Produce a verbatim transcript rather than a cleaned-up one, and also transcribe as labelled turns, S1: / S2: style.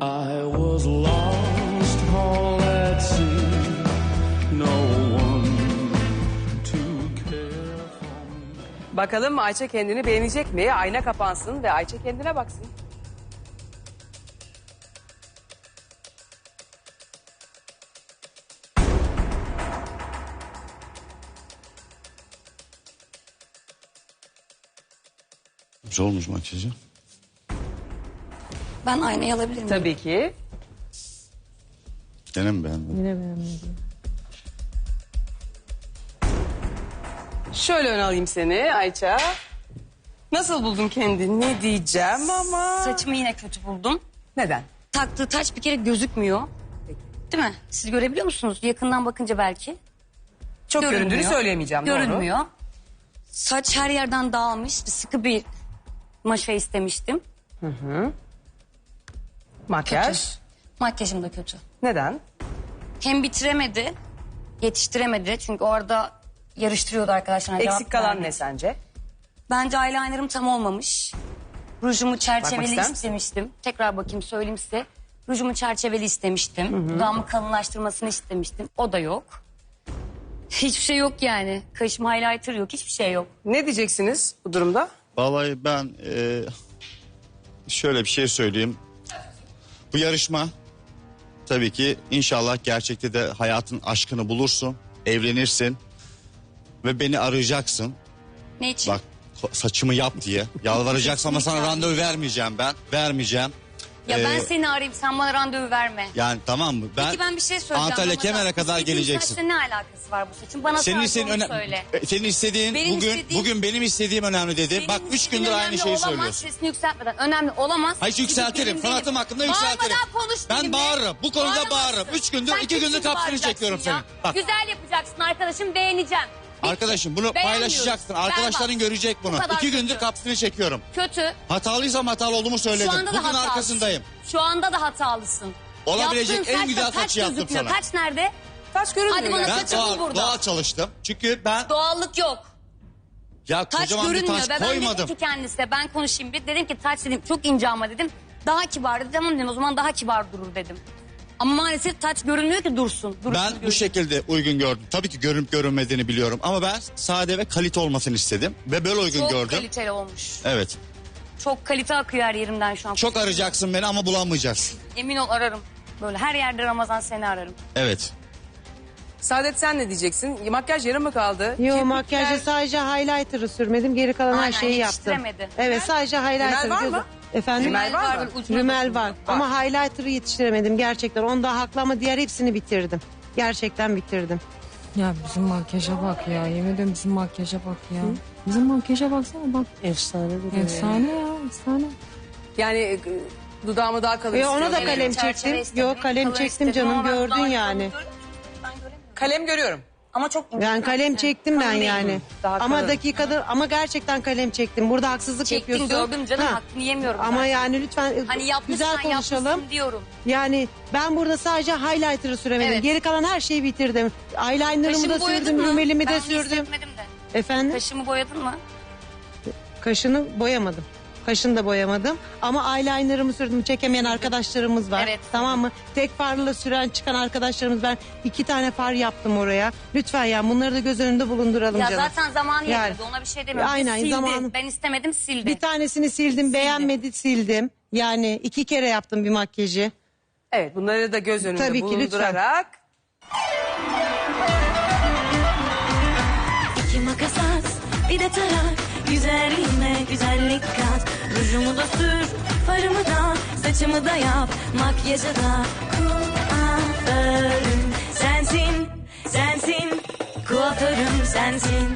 S1: I was lost all at sea, no one to care for me.
S2: Bakalım Ayça kendini beğenecek mi? Ayna kapansın ve Ayça kendine baksın.
S3: Güzel olmuş makyajı.
S4: Ben aynayı alabilir miyim?
S2: Tabii ki.
S3: Gene mi beğendin?
S5: Yine beğenmedim.
S2: Şöyle ön alayım seni Ayça. Nasıl buldun kendini? Ne diyeceğim ama...
S4: Saçımı yine kötü buldum.
S2: Neden?
S4: Taktığı taç bir kere gözükmüyor. Değil mi? Siz görebiliyor musunuz? Yakından bakınca belki.
S2: Çok
S4: Görünmüyor.
S2: göründüğünü söyleyemeyeceğim. Doğru.
S4: Görünmüyor. Saç her yerden dağılmış. Sıkı bir maşa istemiştim.
S2: Makyaj.
S4: Makyajım da kötü.
S2: Neden?
S4: Hem bitiremedi, yetiştiremedi. Çünkü orada yarıştırıyordu arkadaşlar.
S2: Eksik kalan ne sence?
S4: Bence eyelinerım tam olmamış. Rujumu
S2: Bakmak
S4: çerçeveli
S2: ister misin?
S4: istemiştim. Tekrar bakayım söyleyeyim size. Rujumu çerçeveli istemiştim. Dudağımı kalınlaştırmasını istemiştim. O da yok. Hiçbir şey yok yani. Kaşım highlighter yok. Hiçbir şey yok.
S2: Ne diyeceksiniz bu durumda?
S3: Vallahi ben e, şöyle bir şey söyleyeyim. Bu yarışma tabii ki inşallah gerçekte de hayatın aşkını bulursun. Evlenirsin. Ve beni arayacaksın.
S4: Ne için?
S3: Bak saçımı yap diye. Yalvaracaksın ama sana randevu vermeyeceğim ben. Vermeyeceğim.
S4: Ya ben
S3: Ee,
S4: seni arayayım, sen bana randevu verme.
S3: Yani tamam mı? Ben,
S4: Peki ben bir şey söyleyeceğim.
S3: Antalya
S4: Ramazan.
S3: Kemer'e kadar
S4: İstediğin
S3: geleceksin.
S4: saçla ne alakası var bu saçın? Bana
S3: Senin
S4: sadece
S3: istediğin
S4: onu
S3: öne-
S4: söyle.
S3: e, senin istediğin
S4: Benim
S3: bugün
S4: istediğim-
S3: bugün benim istediğim önemli dedi.
S4: Benim
S3: Bak üç
S4: istediğim
S3: gündür aynı
S4: önemli
S3: şeyi
S4: olamaz,
S3: söylüyorsun.
S4: sesini yükseltmeden önemli olamaz.
S3: Hayır
S4: Çünkü
S3: yükseltirim.
S4: benim
S3: Sanatım
S4: değilim.
S3: hakkında yükseltirim.
S4: Bağırmadan konuş
S3: Ben
S4: benimle.
S3: bağırırım. Bu konuda
S4: Bağıramazsın.
S3: bağırırım. Üç gündür,
S4: Sen
S3: iki gündür
S4: kesin
S3: kapsını
S4: bağıracaksın
S3: çekiyorum
S4: ya.
S3: senin. Bak.
S4: Güzel yapacaksın arkadaşım, beğeneceğim. Bitti.
S3: Arkadaşım bunu
S4: Beğenmiyoruz.
S3: paylaşacaksın.
S4: Berbat.
S3: Arkadaşların görecek bunu.
S4: Bu kadar
S3: İki gündür
S4: kötü.
S3: kapsını çekiyorum.
S4: Kötü.
S3: Hatalıysam hatalı olduğumu söyledim.
S4: Şu anda da
S3: Bugün
S4: hatalısın.
S3: arkasındayım.
S4: Şu anda da hatalısın.
S3: Olabilecek
S4: Yaptığın
S3: en
S4: saçla
S3: güzel
S4: taç
S3: saçı yaptım
S4: gözükmüyor.
S3: sana.
S4: Taç nerede?
S2: Saç görünmüyor.
S4: Hadi bana
S2: yani.
S3: Ben
S4: saçı bul
S3: doğal,
S4: burada.
S3: doğal çalıştım. Çünkü ben
S4: Doğallık yok.
S3: ya
S4: Taç
S3: kocaman bir
S4: görünmüyor.
S3: taş
S4: Ve ben
S3: koymadım.
S4: dedim ki kendisine, ben konuşayım bir. Dedim ki taç dedim çok ince ama dedim. Daha kibar dedi. Tamam dedim, o zaman daha kibar durur dedim. Ama maalesef taç görünmüyor ki dursun. dursun
S3: Ben bu
S4: görünüyor.
S3: şekilde uygun gördüm. Tabii ki görünüp görünmediğini biliyorum. Ama ben sade ve kalite olmasını istedim. Ve böyle uygun
S4: Çok
S3: gördüm.
S4: kaliteli olmuş.
S3: Evet.
S4: Çok kalite akıyor her yerimden şu an.
S3: Çok arayacaksın beni ama bulamayacaksın.
S4: Emin ol ararım. Böyle her yerde Ramazan seni ararım.
S3: Evet.
S2: Saadet sen ne diyeceksin? Makyaj yarım mı kaldı?
S5: Yo
S2: Kirpikler-
S5: makyajı sadece highlighter'ı sürmedim. Geri kalan her
S4: Aynen,
S5: şeyi yaptım.
S4: yetiştiremedi.
S5: Evet sadece highlighter.
S2: Rümel var
S5: göz-
S2: mı?
S5: Efendim?
S2: Rümel var mı?
S4: böyle ucuna
S5: Rümel
S4: dokundu.
S5: var. Ama highlighter'ı yetiştiremedim gerçekten. Onda haklı ama diğer hepsini bitirdim. Gerçekten bitirdim.
S6: Ya bizim makyaja bak ya. Yemin ediyorum bizim makyaja bak ya. Bizim makyaja baksana bak.
S5: Efsane duruyor.
S6: Efsane ya efsane.
S2: Yani e, dudağımı daha kalın
S5: Ve ona da
S2: istiyorum.
S5: kalem
S4: Çerçeve
S5: çektim.
S4: istedim,
S5: Yok kalem
S4: kalın
S5: çektim
S4: istedim
S5: canım
S4: ama ben
S5: gördün
S4: daha
S5: yani.
S4: kalın göremiyorum. Ben göremiyorum.
S2: Kalem görüyorum.
S4: Ama çok ince.
S5: Yani kalem çektim ben
S4: Kalın değil.
S5: yani.
S2: Daha
S5: Ama
S2: kalın.
S5: dakikada ama gerçekten kalem çektim. Burada haksızlık
S4: Çektim
S5: yapıyorsun.
S4: gördüm canım,
S5: Ha.
S4: hakkını yemiyorum
S5: Ama
S4: zaten.
S5: yani lütfen
S4: Hani yapmışsan
S5: güzel konuşalım.
S4: yapmışsın diyorum.
S5: Yani ben burada sadece highlighter'ı süremedim.
S4: Evet.
S5: Geri kalan her şeyi bitirdim. Eyeliner'ımı
S4: Kaşımı
S5: da
S4: boyadın
S5: sürdüm,
S4: mı?
S5: rümelimi
S4: Ben
S5: de
S4: onu
S5: sürdüm.
S4: hissetmedim de.
S5: Efendim?
S4: Kaşımı boyadın mı?
S5: Kaşını boyamadım. Kaşını da boyamadım. Ama eyeliner'ımı sürdüm. Çekemeyen arkadaşlarımız var.
S4: Evet.
S5: Tamam mı? Tek farla süren çıkan arkadaşlarımız, ben iki tane far yaptım oraya. Lütfen ya bunları da göz önünde bulunduralım
S4: Ya
S5: canım.
S4: zaten zamanı
S5: Yani.
S4: yetmedi, ona bir şey demiyorum.
S5: Aynen,
S4: Sildi.
S5: zamanı-
S4: Ben istemedim, sildi.
S5: Bir tanesini sildim, beğenmedi sildim. Yani iki kere yaptım bir makyajı.
S2: Evet, bunları da göz önünde
S5: Tabii ki, lütfen.
S2: bulundurarak.
S7: İki makas at, bir de tarak. Güzelliğime güzellik kat. Rujumu da sür, farımı da, saçımı da yap. Makyajı da kuaförüm sensin, sensin. Kuaförüm sensin.